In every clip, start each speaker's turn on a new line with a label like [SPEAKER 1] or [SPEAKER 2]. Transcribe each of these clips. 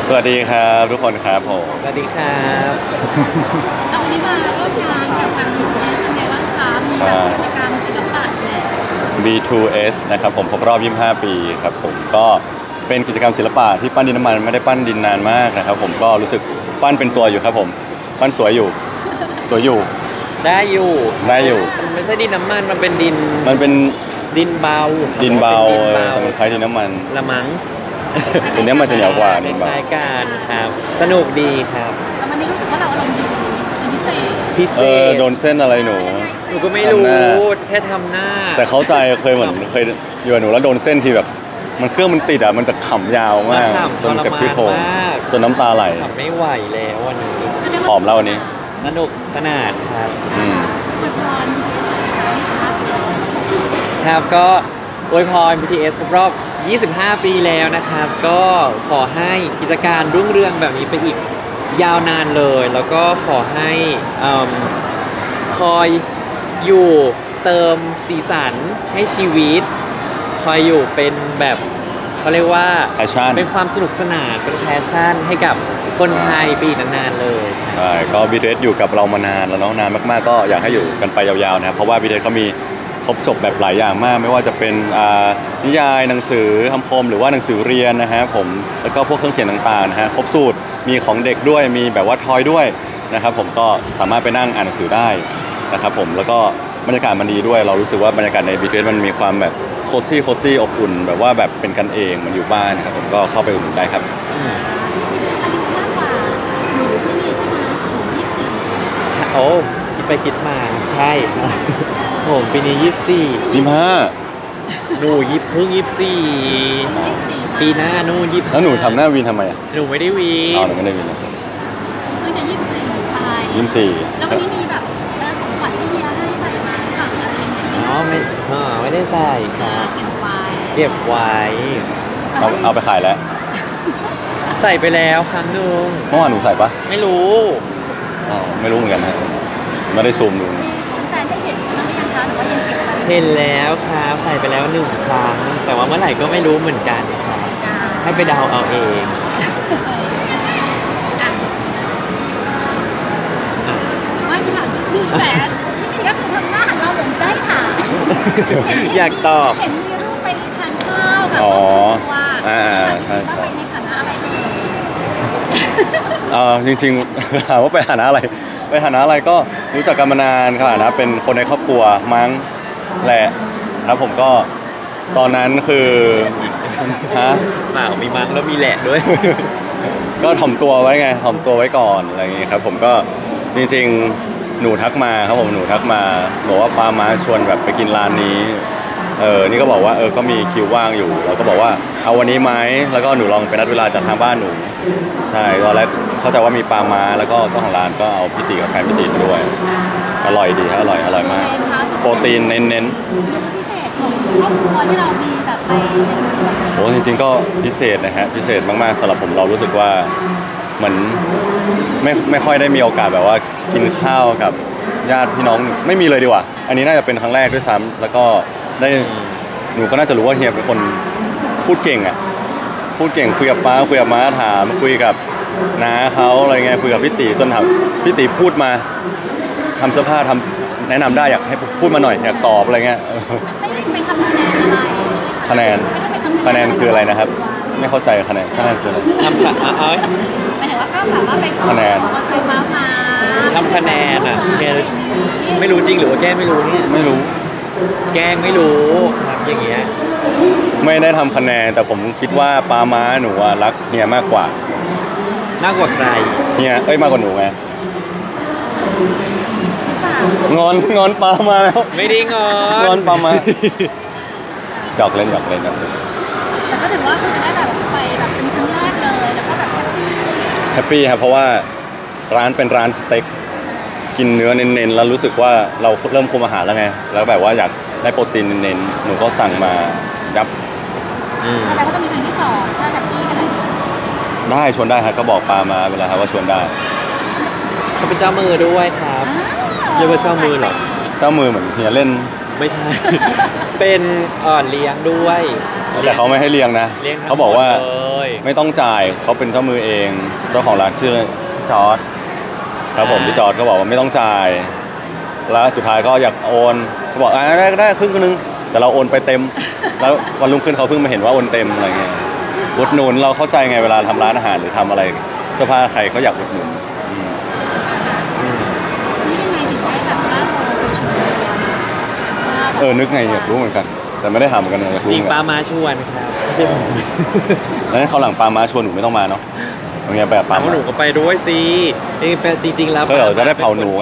[SPEAKER 1] สวัสดีครับทุกคนครับผม
[SPEAKER 2] สวัสดีครับ
[SPEAKER 3] เอาวันนี้มาร่วมงานกับทาง BTS เป็นไงบ้างคะมีแบบกิจกรรมศิลปะแหละ
[SPEAKER 1] B2S นะครับผมครบรอบ 25 ปีครับผมก็เป็นกิจกรรมศิลปะที่ปั้นดินน้ำมันไม่ได้ปั้นดินนานมากนะครับผมก็รู้สึกปั้นเป็นตัวอยู่ครับผมปั้นสวยอยู่สวยอยู่
[SPEAKER 2] ได้อยู่
[SPEAKER 1] ได้อยู่
[SPEAKER 2] มันไม่ใช่ดินน้ำมันมันเป็นดิน
[SPEAKER 1] มันเป็น
[SPEAKER 2] ดินเบา
[SPEAKER 1] ดินเบา
[SPEAKER 2] ดินเบา
[SPEAKER 1] แต่มันคล้ายดินน้ำมัน
[SPEAKER 2] ละมั้ง
[SPEAKER 1] ดินน้ำมันจะเหนียวกว่าดิน
[SPEAKER 2] ค
[SPEAKER 1] เบา
[SPEAKER 2] ล้ายๆกันครับ สนุกดีครับ
[SPEAKER 3] แต่วันนี้รู้สึกว่าเราอารมณ์ดีเป็นพิเศษ
[SPEAKER 2] พิเศษ
[SPEAKER 1] โดนเส้นอะไรหนู
[SPEAKER 2] หนูก็ไม่รู้
[SPEAKER 1] ทำหน้า
[SPEAKER 2] แค่ทำหน้า
[SPEAKER 1] แต่เข้าใจเคยเหมือนเคยอยู่กับหนูแล้วโดนเส้นที่แบบ มันเครื่องมันติดอ่ะมันจะขำยาวมาก
[SPEAKER 2] ขำ
[SPEAKER 1] จนเจ็บที่โครง
[SPEAKER 2] ทรมานมาก
[SPEAKER 1] จนน้ำตาไหล
[SPEAKER 2] ทำไม่ไหวแล้ววันนี้
[SPEAKER 1] ผอมแล้ววันนี้
[SPEAKER 2] สนุกสนานครับ
[SPEAKER 1] อืม
[SPEAKER 3] อวยพรที่สุดนะคะ
[SPEAKER 2] ครับก็อวยพร BTS ครบรอบ 25 ปีแล้วนะครับ ก็ขอให้กิจการรุ่งเรืองแบบนี้ไปอีกยาวนานเลย แล้วก็ขอให้คอยอยู่เติมสีสันให้ชีวิต คอยอยู่เป็นแบบเขาเรียกว่า
[SPEAKER 1] Passion
[SPEAKER 2] เป็นความสนุกสนานเป็นแพชชั่นให้กับคนไทยไปอีกนานๆเลย
[SPEAKER 1] ใช่ก็ BTS อยู่กับเรามานานแล้วเนาะนานมากๆก็อยากให้อยู่กันไปยาวๆนะครับเพราะว่า BTS เขามีครบจบแบบหลายอย่างมาก ไม่ว่าจะเป็นนิยายหนังสือคำคมหรือว่าหนังสือเรียนนะฮะผมแล้วก็พวกเครื่องเขียนต่างๆนะฮะครบสูตรมีของเด็กด้วยมีแบบว่าทอยด้วยนะครับผมก็สามารถไปนั่งอ่านหนังสือได้นะครับผมแล้วก็บรรยากาศมันดีด้วยเรารู้สึกว่าบรรยากาศใน BTS มันมีความแบบโคซี่อบอุ่นแบบว่าแบบเป็นกันเองมันอยู่บ้านนะครับผมก็เข้าไปอุ่นนได้ครับ
[SPEAKER 3] อายุมากกว่าหนูที่นี่ใช่ไหมหนู24
[SPEAKER 2] โอ้คิดไปคิดมาใช่ครับ ผมปีนี้
[SPEAKER 1] 25
[SPEAKER 2] 24หนูเพิ่ง24ปีหน้านู่น25
[SPEAKER 1] แล้วหนูทำหน้าวินทำไมอ่ะ
[SPEAKER 2] หนูไม่ได้วี
[SPEAKER 1] อ๋อหนูไม่ได้วินนะ
[SPEAKER 3] เพิ่งจะ24ไป
[SPEAKER 1] 24
[SPEAKER 3] แล้ววันนี้มีแบบของขวัญที่เฮียให้ใส่มาหรือเปล่าอะไรยังไง
[SPEAKER 2] อ๋อไม่ได้ใส่ครับ
[SPEAKER 3] เก็บไว้
[SPEAKER 2] เก็บไว้
[SPEAKER 1] เอาไปขายแล้ว
[SPEAKER 2] ใส่ไปแล้วครั้งหนึ่ง
[SPEAKER 1] เมื่อวานหนูใส่ปะ
[SPEAKER 2] ไม่รู้
[SPEAKER 1] อ๋อไม่รู้เหมือนกันนะไม่ได้ซูมดู
[SPEAKER 3] มีของแฟนได้เห็นกันบ้างหรือยังคะหรือว่ายังเก็บไว้
[SPEAKER 2] เห็นแล้วครับใส่ไปแล้ว1 ครั้ง แต่ว่าเมื่อไหร่ก็ไม่รู้เหมือนกันครับให้ไปเดาเอาเอง
[SPEAKER 3] ไม่ถามพี่แหวนพี่ก็คือทำหน้าหันเราเหมือนใจถาม
[SPEAKER 2] อยากตอบ
[SPEAKER 3] เห็นมีรูปไปทานข้าวกับ
[SPEAKER 1] อ๋อ
[SPEAKER 3] ครอบครัว
[SPEAKER 1] ใช่
[SPEAKER 3] ว่าไปในฐานะอะไร
[SPEAKER 1] จริงๆ ถามว่าไปฐานะอะไรไปฐานะอะไรก็รู้จักกันมานานค่ะนะเป็นคนในครอบครัวมั้งแหละครับผมก็ตอนนั้นคือฮะ
[SPEAKER 2] เปล่ามีมั้งแล้วมีแหละด้วย
[SPEAKER 1] ก็ถ่อมตัวไว้ไงถ่อมตัวไว้ก่อนอะไรอย่างงี้ครับผมก็จริงๆหนูทักมาครับผมหนูทักมาบอกว่าปามาชวนแบบไปกินร้านนี้นี่ก็บอกว่าก็มีคิวว่างอยู่เราก็บอกว่าเอาวันนี้ไหมแล้วก็หนูลองไปนัดเวลาจากทางบ้านหนูใช่ตอนแรกเข้าใจว่ามีปลาม้าแล้วก็เจ้าของร้านก็เอาพิติกับแฟนพิติมาด้วยอร่อยดีครับอร่อยมากโปรตีนเน้น
[SPEAKER 3] มื้อพิเศษของครอบครัวที่เรามีแบบไปเป็นส่วน
[SPEAKER 1] ๆโอ้จริงๆก็พิเศษนะฮะพิเศษมากๆสำหรับผมเรารู้สึกว่าเหมือนไม่ค่อยได้มีโอกาสแบบว่ากินข้าวกับญาติพี่น้องไม่มีเลยดีกว่าอันนี้น่าจะเป็นครั้งแรกด้วยซ้ำแล้วก็ได้หนูก็น่าจะรู้ว่าเฮียเป็นคนพูดเก่งอ่ะพูดเก่งคุยกับป้าคุยกับม้าถามคุยกับน้าเขาอะไรเงี้ยคุยกับพี่ตีจนถามพี่ตีพูดมาทำเสื้อผ้าทำแนะนำได้อยากให้พูดมาหน่อยอยากตอบอะไรเงี้ย
[SPEAKER 3] ไม่ได้เป็นคำคะแนนอะไรใช่ไหม
[SPEAKER 1] คะแนน
[SPEAKER 3] ไม่ได้เป็น
[SPEAKER 1] คะแนนคืออะไรนะครับ ไม่เข้าใจคะแนนคืออะไร
[SPEAKER 2] ทำเอา
[SPEAKER 3] หมายถึงว่าก็แบบว่าเป็น
[SPEAKER 1] คะแนน
[SPEAKER 3] เอาใจมามา
[SPEAKER 2] ทำคะแนนอ่ะเนี่ยไม่รู้จริงหรือว่าแกล้งไม่รู้เนี่ย
[SPEAKER 1] ไม่รู้
[SPEAKER 2] แกล้งไม่รู้ครับอย่างเงี้ย
[SPEAKER 1] ไม่ได้ทำคะแนนแต่ผมคิดว่าปาม้าหนูอะรักเฮียมากกว่า
[SPEAKER 2] มากกว่าใคร
[SPEAKER 1] เฮียมากกว่าหนูไง
[SPEAKER 3] หรือเปล่าง
[SPEAKER 1] อนปามาแล้ว
[SPEAKER 2] ไม่ได้งอน
[SPEAKER 1] งอนปามาหยอกเล่นครับ
[SPEAKER 3] แต่ก็ถือว่าคุณจะได้แบบไปแบบเป็นครั้งแรกเลยแล้วก็แบบแฮปปี้
[SPEAKER 1] แฮปปี้ครับเพราะว่าร้านเป็นร้านสเต็กกินเนื้อเน้นๆแล้วรู้สึกว่าเราเริ่มคุมอาหารแล้วไงแล้วแบบว่าอยากได้โปรตีนเน้นๆหนูก็สั่งมายับ
[SPEAKER 2] อืม
[SPEAKER 3] แสดงว่าต้องมีครั้งที่สองถ้าแฮปปี้ขนาดนี้
[SPEAKER 1] ได้ชวนได้ครับก็บอกปามาเวลาครับว่าชวนได้
[SPEAKER 2] เขาเป็นเจ้ามือด้วยครับ เรียกว่าเจ้ามือเหรอ
[SPEAKER 1] เจ้ามือเหมือนเฮียเล่น
[SPEAKER 2] ไม่ใช่ เป็นอ่อนเลี้ยงด้วย
[SPEAKER 1] แต่เขาไม่ให้เลี้ยงนะ
[SPEAKER 2] เลี้ยงทั้ง
[SPEAKER 1] เขาบอกว่า
[SPEAKER 2] หมดเลย
[SPEAKER 1] ไม่ต้องจ่ายเขาเป็นเจ้ามือเอง เจ้าของร้านชื่อจอร์ดครับผมพี่จอร์ดก็บอกว่าไม่ต้องจ่าย แล้วสุดท้ายก็อยากโอนเขาบอกได้ครึ่งนึงแต่เราโอนไปเต็ม แล้ววันรุ่งขึ้นเขาเพิ่งมาเห็นว่าโอนเต็มอะไรเงี้ยอุดหนุนเราเข้าใจไงเวลาทำร้านอาหารหรือทำอะไรเสื้อผ้าใครเขาอยากอุดหนุนอืม
[SPEAKER 3] นี่ยังไงถึงได้แบบว่าเราไปชวน
[SPEAKER 1] นึกไงอยากรู้เหมือนกัน แต่ไม่ได้ถามเหมือนกันอยากรู้
[SPEAKER 2] จริง
[SPEAKER 1] เหมือน
[SPEAKER 2] ปา
[SPEAKER 1] กัน
[SPEAKER 2] มาชวนครับไม่ใช่ผม
[SPEAKER 1] แล้วเขาวหลังปามาชวนหนูไม่ต้องมาเนาะอย่างเงี้ยแบบปา
[SPEAKER 2] เอา
[SPEAKER 1] มา
[SPEAKER 2] หนูก็ไปด้วยสิจริงๆแล้ว
[SPEAKER 1] ก็เดี๋ยวจะได้เผาหนูไง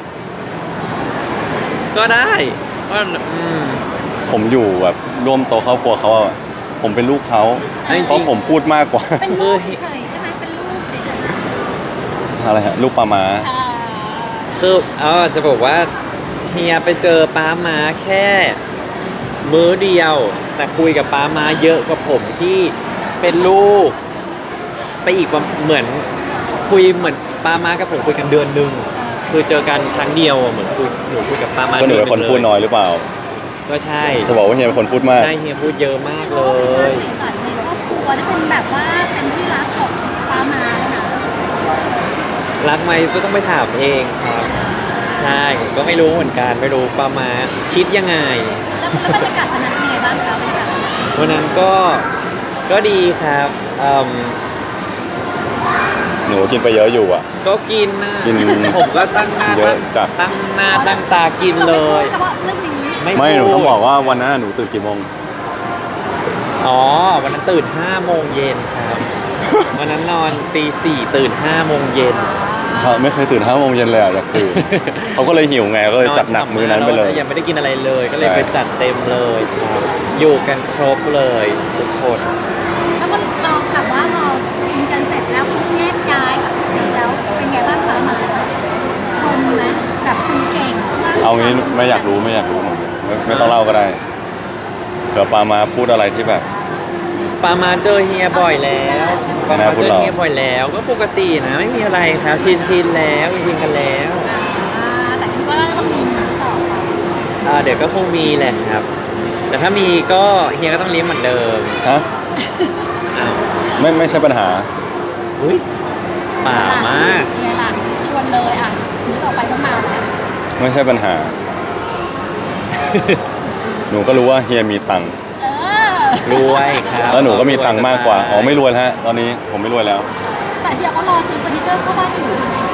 [SPEAKER 2] ก็ได้ก็
[SPEAKER 1] ผมอยู่แบบร่วมโตะครอบครัวเขาอะผมเป็นลูกเขา
[SPEAKER 2] จริงๆ
[SPEAKER 1] เพราะผมพูดมากกว่า
[SPEAKER 3] เป็นลูกเฉยๆใช่ไหมเป็นลูกเฉย
[SPEAKER 1] อะไรฮะลูกปามา
[SPEAKER 3] ๆอ่า
[SPEAKER 2] คือจะบอกว่าเฮียไปเจอป้ามาแค่มื้อเดียว แต่คุยกับป้ามาเยอะกว่าผมที่เป็นลูก ไปอีกว่าเหมือนคุยเหมือนป้ามากับผมคุยกันเดือนหนึ่งคือเจอกันครั้งเดียวเหมือนหนูคุยกับป้ามา
[SPEAKER 1] ก็หนูเป็นคนพูดน้อยหรือเปล่า
[SPEAKER 2] ก็ใช่
[SPEAKER 1] จะบอกว่าเฮียเป็นคนพูดมาก
[SPEAKER 2] ใช่เฮียพูดเยอะมาก
[SPEAKER 3] เพ
[SPEAKER 2] เล
[SPEAKER 3] ราะว่าเป็นสร้าง
[SPEAKER 2] ย
[SPEAKER 3] สีสันในครอบครัวที่เป็นแบบว่าเป็นที่รักของป้ามานะ
[SPEAKER 2] รักไหมก็ต้องไปถามเองครับ ใช่ผมก็ไม่รู้เหมือนกันไม่รู้ป้ามาคิดยังไง
[SPEAKER 3] แล้วบรรยากาศวันนั้นเป็นไงบ้างคะบรรยากาศวันนั้น
[SPEAKER 2] วันนั้นก็ดีครับ
[SPEAKER 1] หนูกินไปเยอะอยู่อะ
[SPEAKER 2] ก็กินนะ
[SPEAKER 1] กิน
[SPEAKER 2] ผมก็ตั้งหน้า
[SPEAKER 1] เยอะจัด
[SPEAKER 2] ตั้งหน้าตั้งตากินเลย
[SPEAKER 3] เฉพาะเรื่องนี้
[SPEAKER 1] ไม่หนู
[SPEAKER 2] พูด
[SPEAKER 1] ต้องบอกว่าวันนั้นหนูตื่นกี่โมง
[SPEAKER 2] อ๋อวันนั้นตื่น5 โมงเย็นครับ วันนั้นนอนตี4ตื่น5 โมงเย็น
[SPEAKER 1] เขาไม่เคยตื่น5 โมงเย็นเลยอะอยากตื่น เขาก็เลยหิวไงก็เลยจัดหนักมื้อนั้นไปเลย
[SPEAKER 2] ยังไม่ได้กินอะไรเลย ก็เลย
[SPEAKER 1] ใช่
[SPEAKER 2] ไปจัดเต็มเลยครับ อยู่กันครบเลยทุกคน
[SPEAKER 3] แล้วมันเราแบบว่าเรากินกันเสร็จแล้วแยกย้ายกับเสร็จแล้วเป็นไงบ้างป้ามาชมไหมแบบคุยเก่ง
[SPEAKER 1] เอางี้ไม่อยากรู้หนูไม่ต้องเล่าก็ได้เผื่อปามาพูดอะไรที่แบบ
[SPEAKER 2] ปามาเจอเฮียบ่อยแล้วปา
[SPEAKER 1] ไม่
[SPEAKER 2] มา
[SPEAKER 1] น่าพู
[SPEAKER 2] เจ
[SPEAKER 1] ด
[SPEAKER 2] อ
[SPEAKER 1] หรอก
[SPEAKER 2] เฮียบ่อยแล้ว ก็ปกตินะไม่มีอะไรครับชินแล้วชินกันแล้ว
[SPEAKER 3] แต่คิดว่าต้องมีต่อไป
[SPEAKER 2] เดี๋ยวก็คงมีแหละครับ แต่ถ้ามีก็เฮียก็ต้องเลี้ยงเหมือนเดิม
[SPEAKER 1] ฮะ
[SPEAKER 2] อ้าว
[SPEAKER 1] ไม่ใช่ปัญหา
[SPEAKER 2] อุ้ยป่ามาก
[SPEAKER 3] เนี่ยหลังชวนเลยอ่ะนี้ต่อไปต้องมาแล้ว
[SPEAKER 1] ไม่ใช่ปัญหา หนูก็รู้ว่าเฮียมีตังค์
[SPEAKER 3] เออ
[SPEAKER 2] รวยครับ
[SPEAKER 1] แล้วหนูก็มีตังค์มากกว่าอ๋อไม่รวยแล้วฮะตอนนี้ผมไม่รวยแล้ว
[SPEAKER 3] แต่เดี๋ยวเขารอซื้อเฟอร์นิเจอร์เข้าบ้านอยู่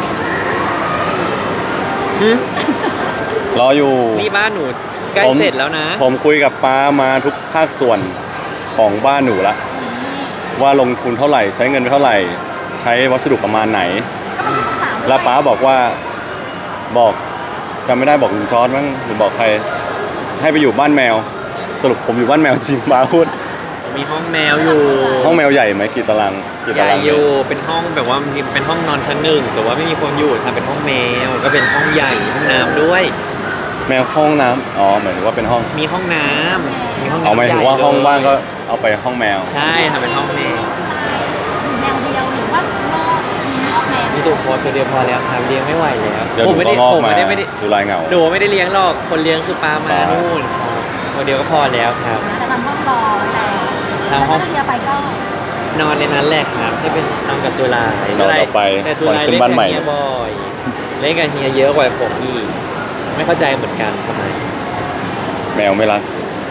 [SPEAKER 2] หึ
[SPEAKER 1] รออยู่
[SPEAKER 2] นี่บ้านหนูใกล้
[SPEAKER 1] ผม
[SPEAKER 2] เสร็จแล้วนะ
[SPEAKER 1] ผมคุยกับป้ามาทุกภาคส่วนของบ้านหนูละ
[SPEAKER 3] นี่
[SPEAKER 1] ว่าลงทุนเท่าไหร่ใช้เงินไปเท่าไหร่ ใช้วัสดุประมาณไหน
[SPEAKER 3] ก็เป็นลูกสาว
[SPEAKER 1] แล้วป้าบอกว่าบอกจำไม่ได้บอกลุงจอร์ดมั้งหรือบอกใคร ให้ไปอยู่บ้านแมว สรุปผมอยู่บ้านแมวจริงป้าพูด
[SPEAKER 2] มีห้องแมวอยู่
[SPEAKER 1] ห้องแมวใหญ่ไหมกี่ตารางกี่
[SPEAKER 2] ให
[SPEAKER 1] ตา
[SPEAKER 2] ญ่
[SPEAKER 1] ราง
[SPEAKER 2] อ
[SPEAKER 1] เมต
[SPEAKER 2] ยู่
[SPEAKER 1] ร
[SPEAKER 2] เป็นห้องแบบว่าเป็นห้องนอนชั้นหนึ่งแต่ว่าไม่มีคนอยู่ทำเป็นห้องแมว ก็เป็นห้องใหญ่ห้องน้ำด้วย
[SPEAKER 1] แมวเข้าห้องน้ำอ๋อหมายถึงว่าเป็นห้อง
[SPEAKER 2] มีห้องน้ำมีห้อง
[SPEAKER 1] เอา
[SPEAKER 2] น้ำ
[SPEAKER 1] หมายถึงว่าห้องว่างก็เอาไปห้องแมว
[SPEAKER 2] ใช่ทำเป็นห้องแมว
[SPEAKER 3] แมวเดียวหรือว่านอกมีนอกแมว
[SPEAKER 2] มีตัวพอตัวเดียวพอแล้วครับเลี้ยงไม่ไหวแล้ว
[SPEAKER 1] เดี๋ยวห
[SPEAKER 2] ผ
[SPEAKER 1] นู
[SPEAKER 2] มไม่
[SPEAKER 1] ก็
[SPEAKER 2] ได้
[SPEAKER 1] งอก
[SPEAKER 2] ผม
[SPEAKER 1] มา
[SPEAKER 2] ไม่ได้
[SPEAKER 1] สุรายเหงา
[SPEAKER 2] หนูไม่ได้เลี้ยงหรอกคนเลี้ยงคือปลามา
[SPEAKER 1] ปลา
[SPEAKER 2] นู่นครับตัวเดียวก็พอแล้วครับ
[SPEAKER 3] แต่ทำห้องรอไว้แล้ว
[SPEAKER 2] ทำห้อง
[SPEAKER 3] แล้วก็เดียวไปก็
[SPEAKER 2] นอนในนั้นแหละครับที่เป็นนอนกับจุฬาน
[SPEAKER 1] อนต่อไป
[SPEAKER 2] แต่จุฬา
[SPEAKER 1] วันขึ้
[SPEAKER 2] เล่
[SPEAKER 1] น
[SPEAKER 2] น
[SPEAKER 1] บ้าน
[SPEAKER 2] กับ
[SPEAKER 1] ใหม่
[SPEAKER 2] เฮียบ่อยเล่นกับเฮียเยอะกว่าผมอีกไม่เข้าใจเหมือนกันทำไม
[SPEAKER 1] แมวไม่รัก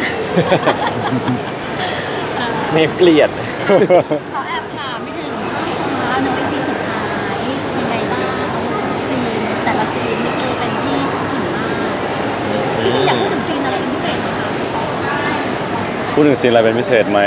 [SPEAKER 2] แม่เกลียด
[SPEAKER 3] ขอแอบถามไม่ถึงว่าในปีสุดท้ายยังไงบ้างซีนแต่ละซีนนี่คือเป็นที่พูดถึงมากพี่ซีอยากพูดถึงซีนอะไรเป็นพิเศษไหมคะ
[SPEAKER 1] พูดถึงซีนอะไรเป็นพิเศษไหม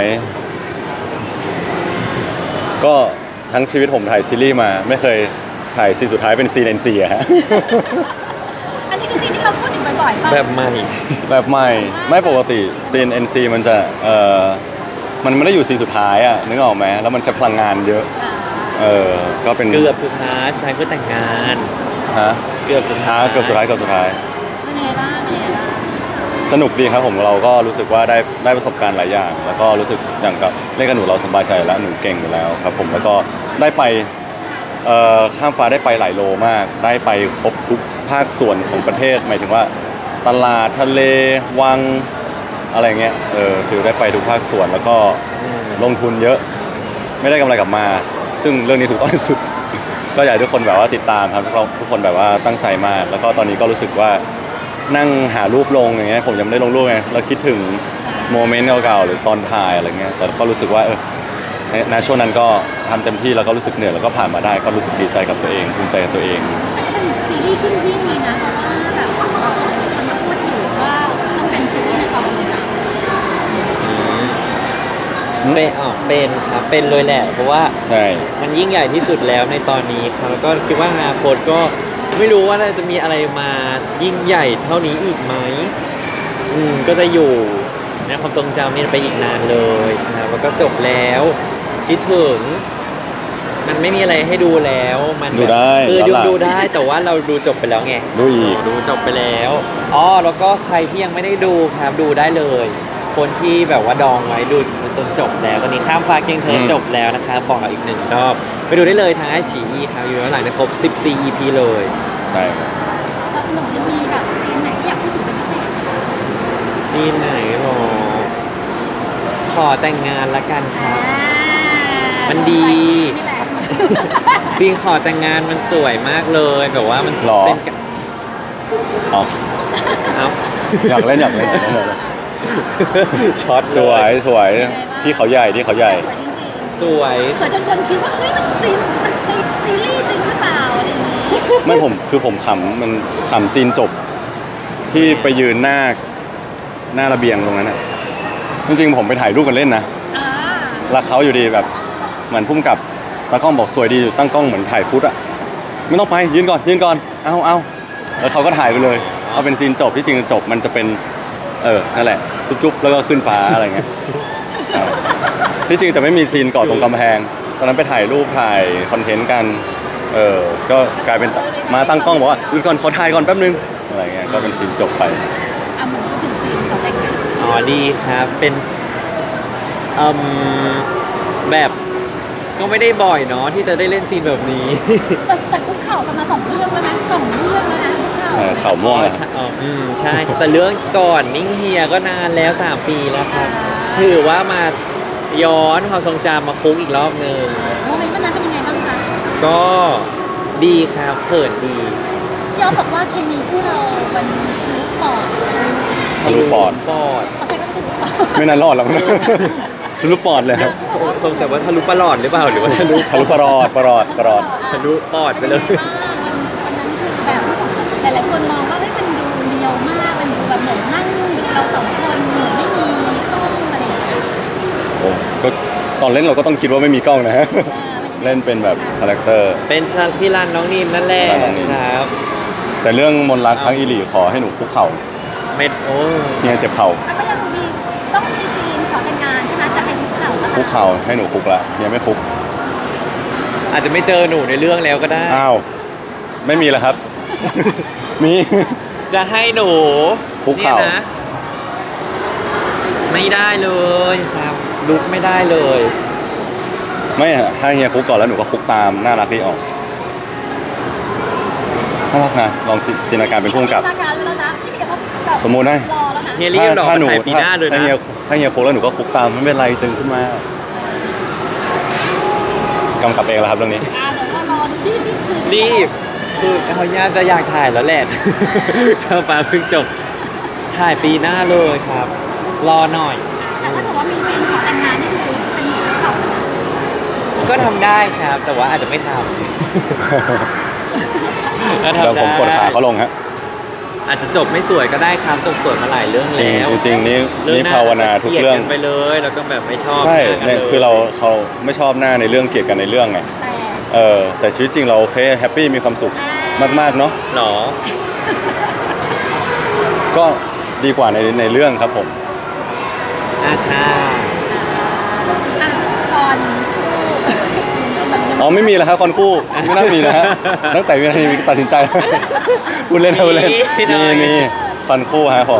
[SPEAKER 1] ก็ทั้งชีวิตผมถ่ายซีรีส์มาไม่เคยถ่ายซีนสุดท้ายเป็นซีน NC อะฮะ
[SPEAKER 3] อันนี้คือซีนที่เราพูดถึงบ่อยๆป่ะ
[SPEAKER 2] แบบใหม่
[SPEAKER 1] แบบใหม่ไม่ปกติซีน NC มันจะมันไม่ได้อยู่ซีนสุดท้ายอะนึกออกไหมแล้วมันใช้พลังงานเยอะ ก็เป็น
[SPEAKER 2] เกือบสุดท้ายสุดท้ายเพื่อแต่งงาน
[SPEAKER 1] ฮะ
[SPEAKER 2] เกือบสุดท้าย
[SPEAKER 1] เกือบสุดท้าย
[SPEAKER 3] เป็นยังไงบ้างเป็นยังไงบ้าง
[SPEAKER 1] สนุกดีครับผมเราก็รู้สึกว่าได้ประสบการณ์หลายอย่าง แล้วก็รู้สึกอย่างกับเล่นกับหนูเราสบายใจแล้วหนูเก่งอยู่แล้วครับผมแล้วก็ได้ไปข้ามฟ้าได้ไปหลายโลมาก ได้ไปครบทุกภาคส่วนของประเทศหมายถึงว่าตลาดทะเลวังอะไรเงี้ยคือได้ไปทุกภาคส่วนแล้วก็
[SPEAKER 2] อืม
[SPEAKER 1] ลงทุนเยอะไม่ได้กำไรกลับมา ซึ่งเรื่องนี้ถูกต้องที่สุด ก็อยากให้ทุกคนแบบว่าติดตามครับทุกคนแบบว่าตั้งใจมาก แล้วก็ตอนนี้ก็รู้สึกว่านั่งหารูปลงอย่างเงี้ยผมยังไม่ได้ลงรูปไงเราคิดถึงโมเมนต์เก่าๆหรือตอนถ่ายอะไรเงี้ยแต่ก็รู้สึกว่าในช่วงนั้นก็ทำเต็มที่แล้วก็รู้สึกเหนื่อยแล้วก็ผ่านมาได้ก็รู้สึกดีใจกับตัวเองภูมิใจกับตัวเอง
[SPEAKER 3] อันนี้เป็นซีรีส์ขึ้นวิ่งเลยนะเพราะว่าแบบคนมาพูดถึงว่าต้องเป็นซีรีส์ในความทรงจำ
[SPEAKER 2] เป็นครับเป็นเลยแหละเพราะว่า
[SPEAKER 1] ใช่
[SPEAKER 2] มันยิ่งใหญ่ที่สุดแล้วในตอนนี้ครับแล้วก็คิดว่าอนาคตก็ไม่รู้ว่าจะมีอะไรมายิ่งใหญ่เท่านี้อีกไหมก็จะอยู่ในความทรงจำนี้ไปอีกนานเลยครับแล้วก็จบแล้วคิดถึงมันไม่มีอะไรให้ดูแล้วมันแบบ
[SPEAKER 1] ดูได้
[SPEAKER 2] คือ
[SPEAKER 1] ย้อนหลัง
[SPEAKER 2] ดูได้แต่ว่าเราดูจบไปแล้วไง
[SPEAKER 1] ดูอีก
[SPEAKER 2] ดูจบไปแล้วแล้วก็ใครที่ยังไม่ได้ดูครับดูได้เลย คนที่แบบว่าดองไว้ดูจนจบแล้วตอนนี้ข้ามฟ้าเคียงเธอจบแล้วนะครับบอกเราอีกหนึ่งรอบไปดูได้เลยทางไอฉีอีครับอยู่ย้อนหลังได้ครบ 14 EP เลย
[SPEAKER 1] ใช่
[SPEAKER 3] แล้วหนูจะมีแบบซีนไหนที่อยากพูดถึงเป็นพิเศษไหมคะ
[SPEAKER 2] ซีนไหนหรอขอแต่งงานละกันครับ มันดี
[SPEAKER 3] นี่แหละ
[SPEAKER 2] ซีนขอแต่งงานมันสวยมากเลยแบบว่ามัน
[SPEAKER 1] หรอ
[SPEAKER 2] เป็นกะ
[SPEAKER 1] อ๋อ
[SPEAKER 2] เอ้า
[SPEAKER 1] อยากเล่นอยากเล่น
[SPEAKER 2] ช็อต
[SPEAKER 1] สวยสวยที่เขาใหญ่ที่เขาใหญ่
[SPEAKER 3] สวยจริง
[SPEAKER 2] สวย
[SPEAKER 3] ๆสวยจนคนคิดว่าเฮ้ยมันซีนมันในซีรีส์จริงหรือเปล่าอะไรอย่างงี้
[SPEAKER 1] ไม่ผมขำมันขำซีนจบ ที่ไปยืนหน้าระเบียงตรงนั้นอ่ะจริงๆผมไปถ่ายรูปกันเล่นนะ
[SPEAKER 3] อ่า
[SPEAKER 1] แล้วเขาอยู่ดีแบบเหมือนพุ่มกับตากล้องบอกสวยดีอยู่ตั้งกล้องเหมือนถ่ายฟุตอ่ะไม่ต้องไปยืนก่อนเอาแล้วเขาก็ถ่ายไปเลยเอาเป็นซีนจบที่จริงจบมันจะเป็นนั่นแหละจุ๊บๆแล้วก็ขึ้นฟ้าอะไรเงี้ยใช่ที่จริงจะไม่มีซีนเกาะตรงกำแพงตอนนั้นไปถ่ายรูปถ่ายคอนเทนต์กันก็กลายเป็นมาตั้งกล้องบอกว่าหยุดก่อนขอถ่ายก่อนแป๊บนึงอะไรเงี้ยก็เป็นซีนจบไป
[SPEAKER 3] เอาหนูพูดถึงซีนขอแต่งงาน
[SPEAKER 2] ดีครับเป็นแบบก็ไม่ได้บ่อยเนาะที่จะได้เล่นซีนแบบนี้
[SPEAKER 3] แต่คุกเข่ากันมา2 เรื่องแล้วนะ2 เรื่องแล้วนะคุกเข่า
[SPEAKER 1] ใช่เข่าม่วงอะ
[SPEAKER 2] ใช่ใช่ แต่เรื่องก่อนนิ่งเฮียก็นานแล้ว 3 ปีแล้วครับ ถือว่ามาย้อนความทรงจำมาคุกอีกรอบหนึ่ง
[SPEAKER 3] โมเมนต์วันนั้นเป็นยังไงบ้างคะ
[SPEAKER 2] ก็ดีครับเขินดี
[SPEAKER 3] พี่อ๊อฟบอกว่าเคมีคู่เรามันคือปอด
[SPEAKER 1] ทะลุปอด
[SPEAKER 2] ปอด
[SPEAKER 3] เขาใช้คำว่าทะลุปอด
[SPEAKER 1] ไม่นานรอดหรอกนะทะลุปอดเลยครับ
[SPEAKER 2] สงสัยว่าทะลุปลอดหรือเปล่าหรือว่าทะลุ
[SPEAKER 1] ทะลุปอด
[SPEAKER 2] ทะลุปอดไปเลย
[SPEAKER 3] วันนั้นคือแบบหลายๆคนมองว่าเฮ้ยมันดูเรียวมากมันดูแบบเหมือนนั่งอยู่เรา2 คนเหมือนไม่มีกล้องอะไรอย่างเงี้ย
[SPEAKER 1] โอ้ก็ตอนเล่นเราก็ต้องคิดว่าไม่มีกล้องนะฮะ
[SPEAKER 3] มัน
[SPEAKER 1] เล่นเป็นแบบคาแรคเตอร์
[SPEAKER 2] เป็นชาพี่รันน้องนิมนั่นแหละ
[SPEAKER 1] พี่รันน้องนิม
[SPEAKER 2] ครับ
[SPEAKER 1] แต่เรื่องมนต์รักครั้งอีหลีขอให้หนูคุกเข่า
[SPEAKER 2] เม็ดโอ้
[SPEAKER 1] เนี่ยเจ็บเข่า
[SPEAKER 3] แล้วก็ยังมีต้องมีซีนขอแต่งงานใช่ไหมจะให้คุกเข่าปะ
[SPEAKER 1] คุกเข่าให้หนูคุกละเนี่ยไม่คุก
[SPEAKER 2] อาจจะไม่เจอหนูในเรื่องแล้วก็ได้
[SPEAKER 1] อ้าวไม่มีแล้วครับ มี
[SPEAKER 2] จะให้หนู
[SPEAKER 1] คุกเข่า
[SPEAKER 2] นี่ยนะไม่ได้เลยครับลุกไม่ได้เลย
[SPEAKER 1] ไม่ฮะถ้าเฮียคุกก่อนแล้วหนูก็คุกตามน่ารักดีออกน่ารักนะลองจินตนาการเป็นผู้กำกับ
[SPEAKER 3] จินตนาการไว้แล้วนะนี่พี่แกก็แบบ
[SPEAKER 1] สมมุตินะ
[SPEAKER 3] รอแล้วนะ
[SPEAKER 2] เฮียรีบหรอก
[SPEAKER 1] ถ้าหนู
[SPEAKER 2] ถ่ายปีหน้าเลย
[SPEAKER 1] ถ้า
[SPEAKER 2] นะ
[SPEAKER 1] ถ้าเฮียคุกแล้วหนูก็คุกตามไม่เป็นไรตึงขึ้นมากำกับเองแล้วครับเรื่องนี้
[SPEAKER 3] เดี๋ยวว่ารอดูนี่คือ
[SPEAKER 2] รีบคือเขาย่าจะอยากถ่ายแล้วแหละ ข้าวฟ้าเพิ่งจบถ่ายปีหน้าเลยครับ รอหน่อย
[SPEAKER 3] แต่ถ้าเกิดว่ามีซีนขอแต่งงานนี่คือเป็นหนูคุกเข่าเลยนะ
[SPEAKER 2] ก็ทำได้ครับ แต่ว่าอาจจะไม่ทำ ก็ทำ
[SPEAKER 1] เดี๋ยวผม
[SPEAKER 2] ได้
[SPEAKER 1] กดขาเขาลงฮะ
[SPEAKER 2] อาจจะจบไม่สวยก็ได้ครับจบสวยมาหลายเรื่อง
[SPEAKER 1] จริง
[SPEAKER 2] แล้ว
[SPEAKER 1] จริงๆนี่
[SPEAKER 2] เรื่อง
[SPEAKER 1] นี่
[SPEAKER 2] หน้
[SPEAKER 1] ภาวนาทุกเรื่อง
[SPEAKER 2] กลียดกันไปเลยแล้วก็แบบไม่ชอบ
[SPEAKER 1] ใช่
[SPEAKER 2] หน้ากัน
[SPEAKER 1] เนี่ย
[SPEAKER 2] ล
[SPEAKER 1] คือเขาไม่ชอบหน้าในเรื่องเกลียดกันในเรื่องไง
[SPEAKER 3] แต่
[SPEAKER 1] แต่ชีวิตจริงเราโอเคแฮปปี้มีความสุขมากๆเนาะ
[SPEAKER 2] หรอ
[SPEAKER 1] ก็ดีกว่าในเรื่องครับผม
[SPEAKER 2] ใช่
[SPEAKER 3] อ่ะคอนคู่
[SPEAKER 1] อ๋อไม่มีแล้วครับคอนคู่ไม่น่ามีนะฮะตั้งแต่วินาทีตัดสินใจ พูดเล่นพูดเล่นมีคอนคู่ฮะผม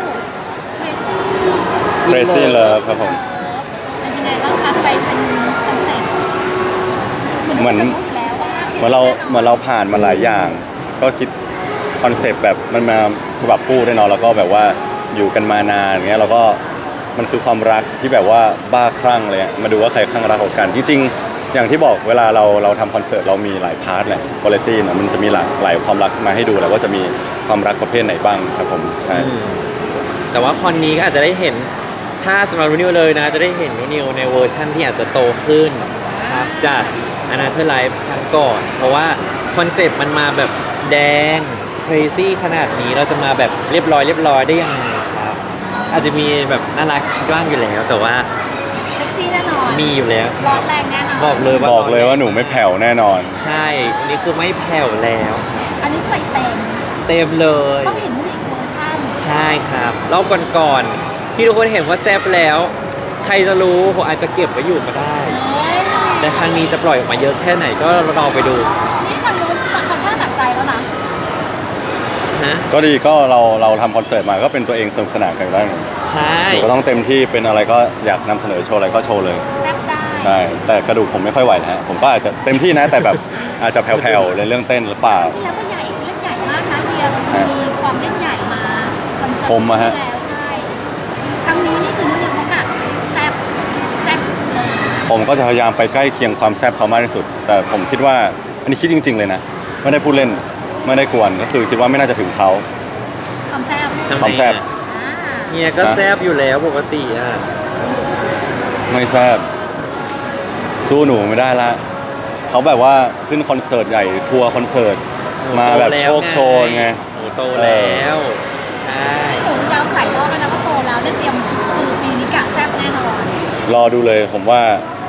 [SPEAKER 1] Crazy Love ครับผม
[SPEAKER 3] เป็นยังไงบ้างคะไปเป็นคอนเซ็ปต์
[SPEAKER 1] เหมือนเราผ่านมาหลายอย่าง ก็คิดคอนเซปต์แบบมันมาฉบับคู่ด้วยเนาะแล้วก็แบบว่าอยู่กันมานานอย่างเงี้ยเราก็มันคือความรักที่แบบว่าบ้าคลั่งเลยอะมาดูว่าใครคลั่งรักกว่ากันจริงๆอย่างที่บอกเวลาเราทำคอนเสิร์ตเรามีหลายพาร์ทแหละวาไรตี้นะมันจะมีหลายความรักมาให้ดูแหละว่าจะมีความรักประเภทไหนบ้างครับผมใช่
[SPEAKER 2] แต่ว่าคอนนี้ก็อาจจะได้เห็นถ้าสำหรับนิวเลยนะจะได้เห็นนิวในเวอร์ชั่นที่อาจจะโตขึ้นครับจาก Another Life ครั้งก่อน เพราะว่าคอนเซปต์มันมาแบบแดง crazy ขนาดนี้เราจะมาแบบเรียบร้อยได้ยังไงครับ อาจจะมีแบบน่ารักบ้างอยู่แล้ว แต่ว่า
[SPEAKER 3] เซ็กซี่แน่นอน
[SPEAKER 2] มีอยู่แล้ว
[SPEAKER 3] ร้อนแรงแน่นอน
[SPEAKER 2] บอกเลยว่า
[SPEAKER 1] บอกเลยว่าหนูไม่แผ่วแน่นอน
[SPEAKER 2] ใช่อันนี้คือไม่แผ่วแล้ว
[SPEAKER 3] อันนี้ใส่เต็ม
[SPEAKER 2] เต็มเลย
[SPEAKER 3] ต้องเห็นอีกเวอร์ชัน
[SPEAKER 2] ใช่ครับรอบก่อนๆที่ทุกคนเห็นว่าแซ่บแล้ว ใครจะรู้ผมอาจจะเก็บไว้อยู่ก็ได้
[SPEAKER 3] เอ้ย
[SPEAKER 2] แต่ครั้งนี้จะปล่อยออกมาเยอะแค่ไหนก็รอไปดู
[SPEAKER 3] นี่ทางนู้นทำท่าตัดใจแล้วนะ
[SPEAKER 2] นะ
[SPEAKER 1] ก็ดีก็เราทำคอนเสิร์ตมาก็เป็นตัวเองสนุกสนานกันอยู่แล้ว
[SPEAKER 2] ใช่
[SPEAKER 1] หนูก็ต้องเต็มที่เป็นอะไรก็อยากนำเสนอโชว์อะไรก็โชว์เลย
[SPEAKER 3] แซ่บได้
[SPEAKER 1] ใช่แต่กระดูกผมไม่ค่อยไหวนะฮะผมก็อาจจะเต็มที่นะแต่แบบอาจจะแผ่วๆในเรื่องเต้นหรือเปล่า
[SPEAKER 3] ที่แล้วก็ใหญ่เล่นใหญ่มากนะเฮียมีความเล่นใหญ่มาคอนเสิร์ต
[SPEAKER 1] ผมอะฮะ
[SPEAKER 3] ที่แล้วใช่ครั้งนี้นี่คือนุ่นเขากะแซ่บเลย
[SPEAKER 1] ผมก็จะพยายามไปใกล้เคียงความแซ่บเขามากที่สุด แต่ผมคิดว่าอันนี้คิดจริง ๆเลยนะไม่ได้พูดเล่นไม่ได้กวนก็คือคิดว่าไม่น่าจะถึงเขา
[SPEAKER 3] ความแซ่บ
[SPEAKER 2] ทำไ
[SPEAKER 1] ความแซ่บ
[SPEAKER 2] อะ
[SPEAKER 3] อ่า
[SPEAKER 2] เฮียก็แซ่บอยู่แล้วปกติอ่ะ
[SPEAKER 1] ไม่แซ่บสู้หนูไม่ได้ละเขาแบบว่าขึ้นคอนเสิร์ตใหญ่ทัวร์คอนเสิร์ตมาแบบโชคโชนไง
[SPEAKER 2] หนูโตแล้ว ใช่
[SPEAKER 3] หนูย้ำหลายรอบแล้วนะว่าโตแล้วได้เตรียมคือปีนี้กะแซ่บแน่นอน
[SPEAKER 1] รอดูเลยผมว่า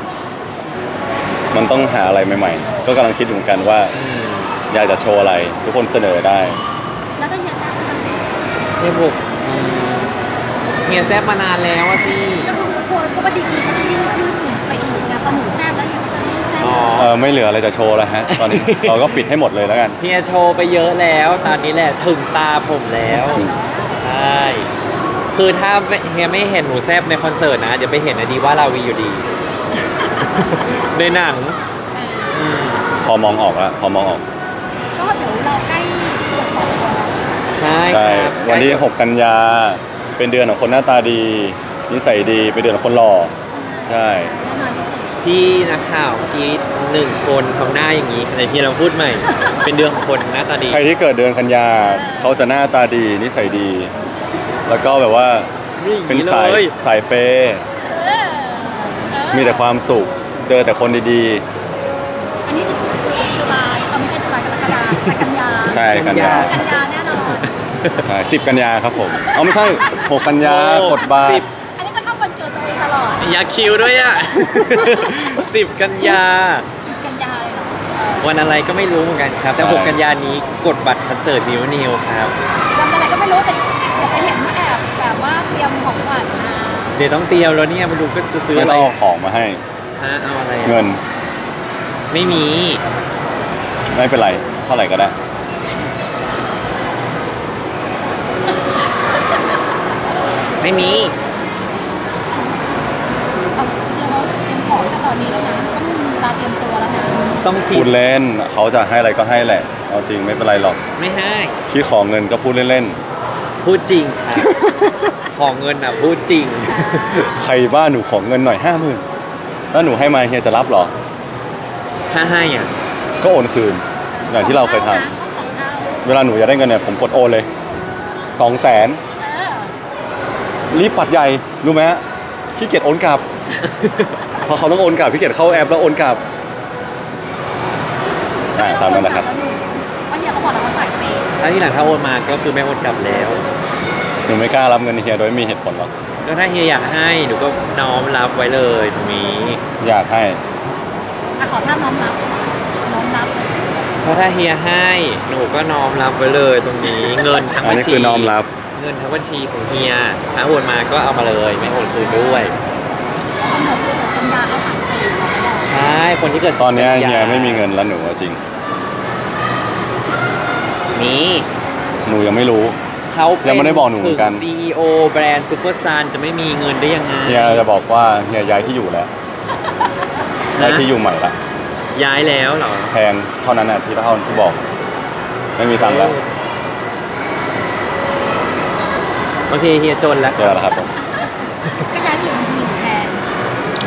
[SPEAKER 1] มันต้องหาอะไรใหม่ๆ ก็กำลังคิดอยู่เหมือนกันว่า
[SPEAKER 2] อืม
[SPEAKER 1] อยากจะโชว์อะไร ทุกคนเสนอได้
[SPEAKER 3] แล้วถ้าเฮียแซ่บก็ต้อง
[SPEAKER 2] เฮียบอกเฮียแซ่บมานานแล้วอะพี่
[SPEAKER 3] ก็คือกลัวเขาว่าดีๆเขาจะยิ่งขึ้นไปอีกนะพอหนูแซ่บแล้วเนี่ยเขาจะยิ่งแซ่บ
[SPEAKER 2] อ๋อ
[SPEAKER 1] ไม่เหลืออะไรจะโชว์แล้วฮะ ตอนนี้ เราก็ปิดให้หมดเลยแล้วกัน
[SPEAKER 2] เฮียโชว์ไปเยอะแล้ว ตอนนี้แหละถึงตาผมแล้ว ใช่ คือถ้าเฮียไม่เห็นหนูแซบในคอนเสิร์ตนะ เดี๋ยวไปเห็นอดีว่าราวีอยู่ดี ในหนังอืม
[SPEAKER 1] พอมองออกแล้วพอมองออก
[SPEAKER 3] ก็เดี๋ยวเราใกล้ปวดหัวแล้ว
[SPEAKER 2] ใช่
[SPEAKER 1] ใช่
[SPEAKER 2] ครับ
[SPEAKER 1] วันที่ 6 กันยา เป็นเดือนของคนหน้าตาดี นิสัยดี เป็นเดือนของคนหล่อ ใช่
[SPEAKER 3] แน่นอนที่สุด
[SPEAKER 2] พี่นักข่าวเมื่อกี้หนึ่งคนทำหน้าอย่างนี้ไหนพี่เราพูดใหม่ เป็นเดือนของคนหน้าตาดี
[SPEAKER 1] ใครที่เกิดเดือนกันยา เขาจะหน้าตาดี นิสัยดี แล้วก็แบบว่า เป็นสาย
[SPEAKER 2] เลย
[SPEAKER 1] สายเปย์
[SPEAKER 3] เออ
[SPEAKER 1] มีแต่ความสุข เจอแต่คนดี
[SPEAKER 3] อันนี้คือจุฬาไม่ใช่จุฬากรกฎาคมแต่กันยา
[SPEAKER 1] ๆ ใช่กันยา
[SPEAKER 3] กันยาแน่นอน
[SPEAKER 1] ใช่10 กันยาครับผมเอาไม่ใช่ 6 กันยา
[SPEAKER 2] โอ้
[SPEAKER 1] กดบาร์
[SPEAKER 2] 10
[SPEAKER 3] อันนี้จะเข้าวันเกิดตัวเองตลอด
[SPEAKER 2] อยากคิวด้วยอ่ะ 10 กันยา
[SPEAKER 3] 10 กันยาเลยเหรอ
[SPEAKER 2] วันอะไรก็ไม่รู้เหมือนกันครับ แต่
[SPEAKER 1] ใช่
[SPEAKER 2] 6 กันยานี้กดบัตรคอนเสิร์ตนิวนิวครับ
[SPEAKER 3] วันอะไรก็ไม่รู้แต่เดี๋ยวไปเห็นว่าแอบแบบว่าเตรียมของขวัญมา
[SPEAKER 2] เดี๋ยวต้องเตรียมแล้วเนี่ยมาดูก็จะซื้อ
[SPEAKER 1] ไม่
[SPEAKER 2] อะไร
[SPEAKER 1] ต้องเอาของมาให้
[SPEAKER 2] ฮะเอาอะไรอะ
[SPEAKER 1] เงิน
[SPEAKER 2] ไม่มี
[SPEAKER 1] ไม่เป็นไร เท่าไหร่ก็ได้
[SPEAKER 2] ไม่มี
[SPEAKER 3] เอาเตรียมของแต่ตอนนี้แล้วนะต้องมีเวลาเตรียมตัวแล้วนะ
[SPEAKER 2] ต้องคิ
[SPEAKER 1] พู
[SPEAKER 2] ด
[SPEAKER 1] ดเล่นเขาจะให้อะไรก็ให้แหละ เอาจริงไม่เป็นไรหรอก
[SPEAKER 2] ไม่ให้
[SPEAKER 1] ที่ขอเงินก็พูดเล่น
[SPEAKER 2] พูดจริงครับ ของเงินอ่ะพูดจริง
[SPEAKER 1] ๆ ใครบ้าหนูขอเงินหน่อย50,000แล้วหนูให้มาเฮียจะรับเหรอ
[SPEAKER 2] ถ้าให้อ่ะ
[SPEAKER 1] ก็โอนคืน อย่างที่เราเคยท
[SPEAKER 3] ต้องสองเท่า
[SPEAKER 1] ำเวลาหนูอยากได้เงินเนี่ยผมกดโอนเลย 200,000
[SPEAKER 3] เออ
[SPEAKER 1] รีบปัดใหญ่ รู้ไหมฮะขี้เกียจโอนกลับ เพราะเขาต้องโอนกลับขี้เกียจเข้าแอปแล้วโอนกลับ ตามนั้นแหละครับ
[SPEAKER 3] วันนี้เขาบอกเราว่าใส่เปย์
[SPEAKER 2] ถ้าที่หลังถ้าโอนมาก็คือไม่โอนกลับแล้ว
[SPEAKER 1] หนูไม่กล้ารับเงินเฮียโดยไม่มีเหตุผลหรอก
[SPEAKER 2] ก็ถ้าเฮียอยากให้หนูก็น้อมรับไว้เลยตรงนี้
[SPEAKER 1] อยากให้
[SPEAKER 3] อ่ะขอท่าน้อมรับน้อมรับ
[SPEAKER 2] เพราะถ้าเฮียให้หนูก็น้อมรับไว้เลยตรงนี้ เงินทั้ง
[SPEAKER 1] อัน
[SPEAKER 2] บัญ
[SPEAKER 1] นี้
[SPEAKER 2] ชี
[SPEAKER 1] คือน้อมรับ
[SPEAKER 2] เงินทั้งบัญชีของเฮียถ้าโอนมาก็เอามาเลยไม่โอนคืนด้วย
[SPEAKER 3] แล้วกำเนิดคือกันยาเขาใส่เปย์เราก็บอก
[SPEAKER 2] ใช่คนที่เกิด
[SPEAKER 1] ตอนเนี้ย
[SPEAKER 2] สิบกั
[SPEAKER 1] เฮีย
[SPEAKER 2] ยา
[SPEAKER 1] ไม่มีเงินแล้วหนูเอาจริง
[SPEAKER 2] มี
[SPEAKER 1] หนูยังไม่รู้
[SPEAKER 2] เขาเป็น
[SPEAKER 1] ยังไม่ได้บอกหนูเหมือนกัน
[SPEAKER 2] ถึง CEO แบรนด์ซูเปอร์ซานจะไม่มีเงินได้ยังไง
[SPEAKER 1] เฮียจะบอกว่าเฮียย้ายที่อยู่แล้ว ย้ายที่อยู่ใหม่ละ
[SPEAKER 2] ย้ายแล้วเหรอ
[SPEAKER 1] แพงเท่านั้นน่ะที่เท่าที่บอก ไม่มีตังค์แล้ว
[SPEAKER 2] โอเคเฮียจนแล้ว
[SPEAKER 1] เจอแล้วครับผม
[SPEAKER 3] กัน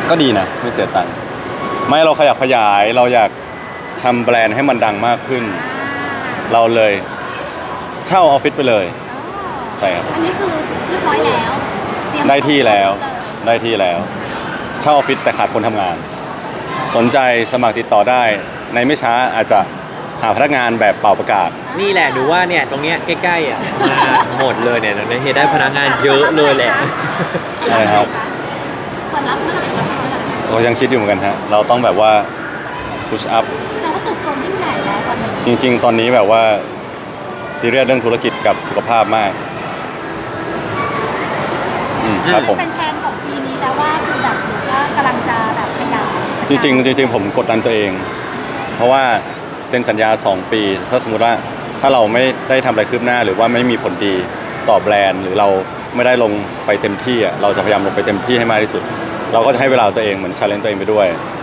[SPEAKER 1] ก็ดีนะไม่เสียตังค์ไม่เราขยับขยายเราอยากทำแบรนด์ให้มันดังมากขึ้น เราเลยเช่าออฟฟิศไปเลย ใช่ครับ
[SPEAKER 3] อันนี้คือเรียบร้อยแล้วเตรียม
[SPEAKER 1] ได้ที่แล้วได้ที่แล้วเช่าออฟฟิศแต่ขาดคนทำงาน สนใจสมัครติดต่อได้ในไม่ช้าอาจจะหาพนักงานแบบเป่าประกาศ
[SPEAKER 2] นี่แหละดูว่าเนี่ยตรงเนี้ยใกล้ๆอ่ะมาหมดเลยเนี่ยเราได้พนักงานเยอะเลยแหละ
[SPEAKER 1] ใช่ครับ
[SPEAKER 3] เปิดรับเมื่อไหร่รับเมื่อไหร่
[SPEAKER 1] เรายังคิดอยู่เหมือนกันฮะเราต้องแบบว่า push up
[SPEAKER 3] เราก็เติบโตยิ่งใหญ่แล้วตอนนี้
[SPEAKER 1] จริง ๆ ตอนนี้แบบว่าซีเรียสเรื่องธุรกิจกับสุขภาพมากครับผม
[SPEAKER 3] เป็นแผนของปีนี้แล้วว่าคือแบบเดี๋ยวก็กำลังจะแบบขยาย
[SPEAKER 1] จริงๆผมกดดันตัวเอง เพราะว่าเซ็นสัญญา 2 ปี ถ้าสมมติว่าถ้าเราไม่ได้ทำอะไรคืบหน้า หรือว่าไม่มีผลดีต่อแบรนด์ หรือเราไม่ได้ลงไปเต็มที่อ่ะเราจะพยายามลงไปเต็มที่ให้มากที่สุด เราก็จะให้เวลาตัวเองเหมือนชาเลนจ์ตัวเองไปด้วย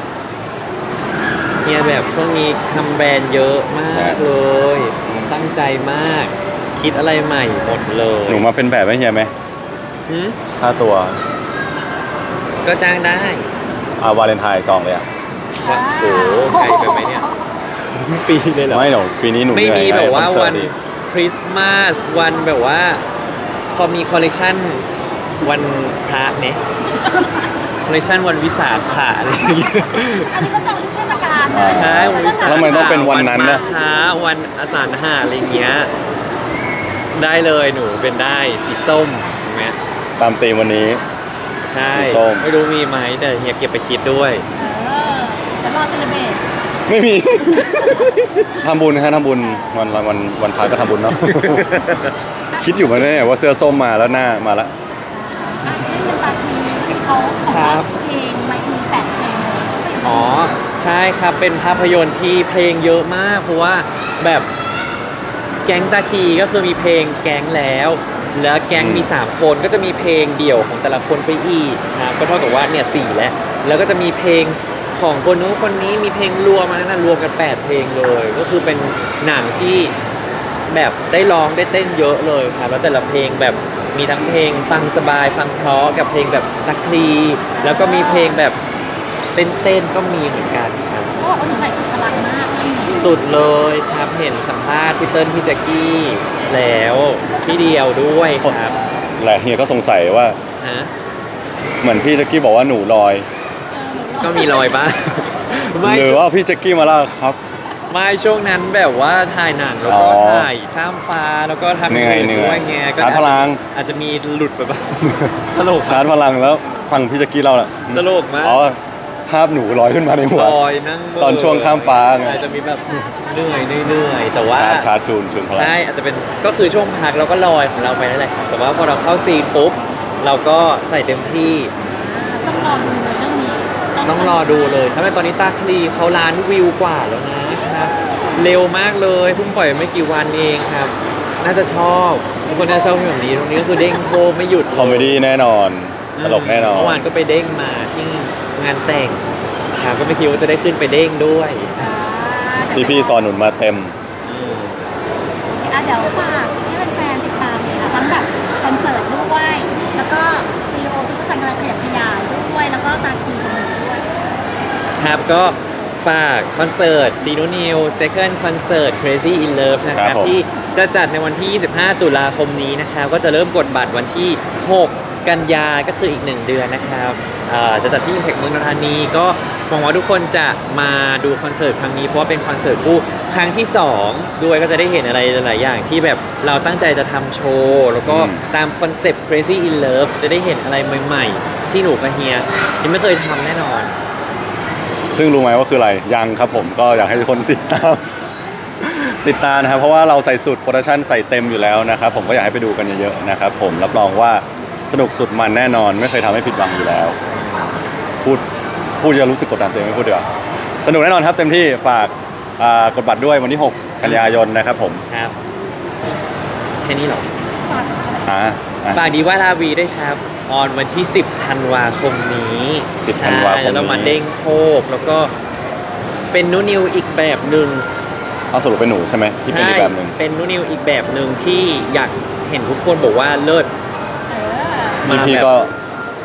[SPEAKER 2] เนี่ยแบบช่วงนี้ทำแบรนด์เยอะมากเลยตั้งใจมาก คิดอะไรใหม่หมดเลย
[SPEAKER 1] หนูมาเป็นแบบให้เฮียไหม
[SPEAKER 2] หืม
[SPEAKER 1] ค่าตัว
[SPEAKER 2] ก็จ้างได้
[SPEAKER 1] วาเลนไทน์จองเลยอ่ะ
[SPEAKER 2] โอ้โหไกลไปไหมเนี่ย ปีเลยเหรอ
[SPEAKER 1] ไม่หรอกปีนี้หนู
[SPEAKER 2] ไม่
[SPEAKER 1] เหนื่อย
[SPEAKER 2] มีแบบว่า
[SPEAKER 1] คอเสิ
[SPEAKER 2] วั
[SPEAKER 1] ร์
[SPEAKER 2] น
[SPEAKER 1] ตอีก
[SPEAKER 2] คริสต์มาสวันแบบว่าพอมีคอลเลกชันวันพระเนี่ยคอลเลกชันวันวิสาขะอะไรอย่างเงี้ย
[SPEAKER 3] อันนี้ก็จองทุกเทศกาล
[SPEAKER 1] อ่า
[SPEAKER 2] ใช่วันวิสาขะ
[SPEAKER 1] แล้วมันต้องเป็นวันนั้น
[SPEAKER 2] มา
[SPEAKER 1] นะ
[SPEAKER 2] ค้าวันอสานหาอะไรอย่างเงี้ยได้เลยหนูเป็นได้สีส้มถูกไหม
[SPEAKER 1] ตามธีมวันนี้
[SPEAKER 2] ใช่
[SPEAKER 1] สีส้ม
[SPEAKER 2] ไม่รู้มีไหมแต่เฮียเก็บไปคิดด้วย
[SPEAKER 3] เดี๋ยวรอเซเลเบรต
[SPEAKER 1] ไม่มี ทำบุญฮะทำบุญวันพระก็ทำบุญเนาะ คิดอยู่มาเนี่ยว่าเสื้อส้มมาแล้วหน้ามาแล้ว
[SPEAKER 3] ที่เป็นตาทีเขาบอกว่าเพลงไม่มี8เพลงเลย
[SPEAKER 2] อ๋อใช่ครับเป็นภาพยนตร์ที่เพลงเยอะมากเพราะว่าแบบแก๊งตาคีก็คือมีเพลงแก๊งแล้ว แล้วแก๊งมี 3 คนก็จะมีเพลงเดี่ยวของแต่ละคนไปอีกนะครับก็เท่ากับว่าเนี่ย4แล้วก็จะมีเพลงของคนนู้นคนนี้มีเพลงรวมมานั้นนะรวมกัน8เพลงเลย ก็คือเป็นหนังที่แบบได้ร้องได้เต้นเยอะเลยครับแล้วแต่ละเพลงแบบมีทั้งเพลงฟังสบายฟังเพราะกับเพลงแบบตะคลีแล้วก็มีเพลงแบบเต้นก็มีเหมือนกันครับ
[SPEAKER 3] เขาบอกว่าหนูใส่สุดพลังมากเรื่องนี้
[SPEAKER 2] สุดเลยครับเห็นสัมภาษณ์พี่เติ้ลพี่แจ็กกี้แล้วพี่เดียวด้วยครับ
[SPEAKER 1] แหละเฮียก็สงสัยว่า
[SPEAKER 2] ฮะ
[SPEAKER 1] เหมือนพี่แจ็กกี้บอกว่าหนูลอย
[SPEAKER 2] ก็มีรอยบ้าง ไม่
[SPEAKER 1] หรือว่าพี่แจ็กกี้มาล่าครับ
[SPEAKER 2] ไม่ช่วงนั้นแบบว่าถ่ายหนังแล้วก็
[SPEAKER 1] อ๋อ
[SPEAKER 2] ถ่ายข้ามฟ้าแล้วก็ทำ
[SPEAKER 1] เหนื่อย
[SPEAKER 2] ด้วยไงก็
[SPEAKER 1] ชาร์จพลัง
[SPEAKER 2] อาจจะมีหลุดไปบ้าง ตลก
[SPEAKER 1] ชาร์จพลังแล้วฟังพี่แจ็กกี้เล่าแหละ
[SPEAKER 2] ตลกมาก
[SPEAKER 1] อ๋อภาพหนูลอยขึ้นมาในหัว
[SPEAKER 2] ลอยนั่งเมื่
[SPEAKER 1] ตอนช่วงข้ามฟ้าไง
[SPEAKER 2] อาจจะมีแบบเหนื่อยแต่ว่า
[SPEAKER 1] ชาร์จจูนพลัง
[SPEAKER 2] ใช่อาจจะเป็นก็คือช่วงพักเราก็ลอยของเราไปนั่นแหละครับแต่ว่าพอเราเข้าซีนปุ๊บเราก็ใส่เต็มที่
[SPEAKER 3] ต้องรอดูเลยเรื่องนี้
[SPEAKER 2] ต้องรอดูเลยครับแต่ตอนนี้ตาคลีเขาล้านวิวกว่าแล้วนะครับเร็วมากเลยเพิ่งปล่อยไม่กี่วันเองครับ น่าจะชอบทุกคนน่าจะชอบแบบนี้ตรงนี้ก็คือเด้งโคไม่หยุด
[SPEAKER 1] คอมเมดี้แน่นอน ตลกแน่นอน
[SPEAKER 2] เมื่อวานก็ไปเด้งมาที่งานแต่งครับก็ไม่คิดว่าจะได้ขึ้นไปเด้งด้วย
[SPEAKER 1] พี่สอนหนุนมาเต็ม
[SPEAKER 2] อืม
[SPEAKER 3] เดี๋ยวฝากให้แฟนๆติดตามเลยค่ะทั้งแบบคอนเสิร์ตด้วยแล้วก็ซีโอซุปเปอร์ซันกำลังขยับขยายด้วยแล้วก็ตาคีของหนูด้วย
[SPEAKER 2] ครับก็ฝากคอนเสิร์ตซีโนนิว Second Concert Crazy in Love นะค
[SPEAKER 1] ครั
[SPEAKER 2] รับบ
[SPEAKER 1] ผม
[SPEAKER 2] ที่จะจัดในวันที่ 25 ตุลาคมนี้นะครับก็จะเริ่มกดบัตรวันที่ 6 กันยาก็คืออีก 1 เดือนนะครับจะจัดที่ Impact เมืองนนทบุรีก็หวังว่าทุกคนจะมาดูคอนเสิร์ตครั้งนี้เพราะว่าเป็นคอนเสิร์ตคู่ครั้งที่ 2 ด้วยก็จะได้เห็นอะไรหลายๆอย่างที่แบบเราตั้งใจจะทำโชว์แล้วก็ตามคอนเซปต์ Crazy in Love จะได้เห็นอะไรใหม่ๆ ที่หนูกับเฮียยังไม่เคยทำแน่นอน
[SPEAKER 1] ซึ่งรู้ไหมว่าคืออะไรยังครับผมก็อยากให้ทุกคนติดตาม ติดตามนะครับเพราะว่าเราใส่สุดโปรดักชั่นใส่เต็มอยู่แล้วนะครับผมก็อยากให้ไปดูกันเยอะๆนะครับผมรับรองว่าสนุกสุดมันแน่นอนไม่เคยทำให้ผิดหวังอยู่แล้ว พูดจะรู้สึกกดดันตัวเองไม่พูดดีกว่าสนุกแน่นอนครับเต็มที่ฝากกดบัตรด้วยวันที่ 6 กันยายนนะครับผม
[SPEAKER 2] ครับแค่นี้เหรอ
[SPEAKER 1] อ่า
[SPEAKER 2] ฝากดีว่าลาวีด้วยครับ ออนวันที่ 10 ธันวาคมนี้
[SPEAKER 1] 10 ธันวาคมนี้
[SPEAKER 2] ใช่แล้วเรามาเด้งโคกแล้วก็เป็นนูนิวอีกแบบหนึ่ง
[SPEAKER 1] เอาสรุปเป็นหนูใช่ไหมที่เป็นอีกแบบหนึ่ง
[SPEAKER 2] เป็นนูนิวอีกแบบหนึ่งที่อยากเห็นทุกคนบอกว่าเลิศ
[SPEAKER 1] นี่พี่ก็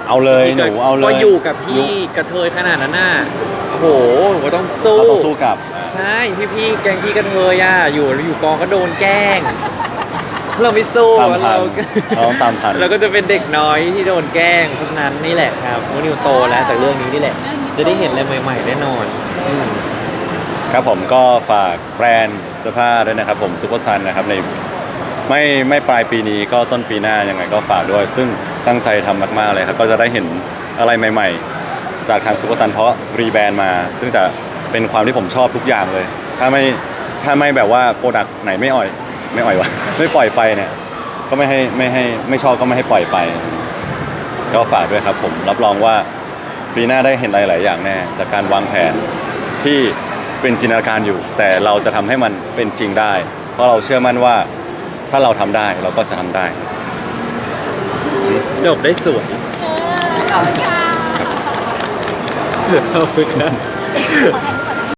[SPEAKER 1] เอาเลยหนูเอาเลย
[SPEAKER 2] ก็อยู่กับพี่กระเทยขนาดนั้นน่ะโอ้โหหนูก็ต้องสู้
[SPEAKER 1] เราต้องสู้กับ
[SPEAKER 2] ใช่พี่แกงพี่กระเทยอ่ะอยู่กองก็โดนแกล้ง เราไม่สู้
[SPEAKER 1] ตามทัน
[SPEAKER 2] เรา
[SPEAKER 1] เราต้องตามทัน
[SPEAKER 2] เราก็จะเป็นเด็กน้อยที่โดนแกล้งเพราะฉะนั้นนี่แหละครับโมนิวโตแล้วจากเรื่องนี้นี่แหละ จะได้เห็นอะไรใหม่ๆแน่นอนอืม
[SPEAKER 1] ครับผมก็ฝากแบรนด์เสื้อผ้าด้วยนะครับผมซูเปอร์ซันนะครับในไม่ปลายปีนี้ก็ต้นปีหน้ายังไงก็ฝากด้วย ซึ่งตั้งใจทำมากๆเลยครับก็จะได้เห็นอะไรใหม่ๆ จากทางซูเปอร์ซันเพราะรีแบรนด์มา ซึ่งจะเป็นความที่ผมชอบทุกอย่างเลย ถ้าไม่แบบว่าโปรดักต์ไหนไม่อ่อยวะ ไม่ปล่อยไปเนี่ยก็ไม่ชอบก็ไม่ให้ปล่อยไป ก็ฝากด้วยครับผมรับรองว่าปีหน้าได้เห็นหลายๆอย่างแน่จากการวางแผนที่เป็นจินตนาการอยู่ แต่เราจะทำให้มันเป็นจริงได้ เพราะเราเชื่อมั่นว่าถ้าเราทำได้เราก็จะทำได้
[SPEAKER 2] จบได้สวย
[SPEAKER 3] ขอบคุณค่ะ
[SPEAKER 2] ขอบคุณครับ
[SPEAKER 3] ขอแท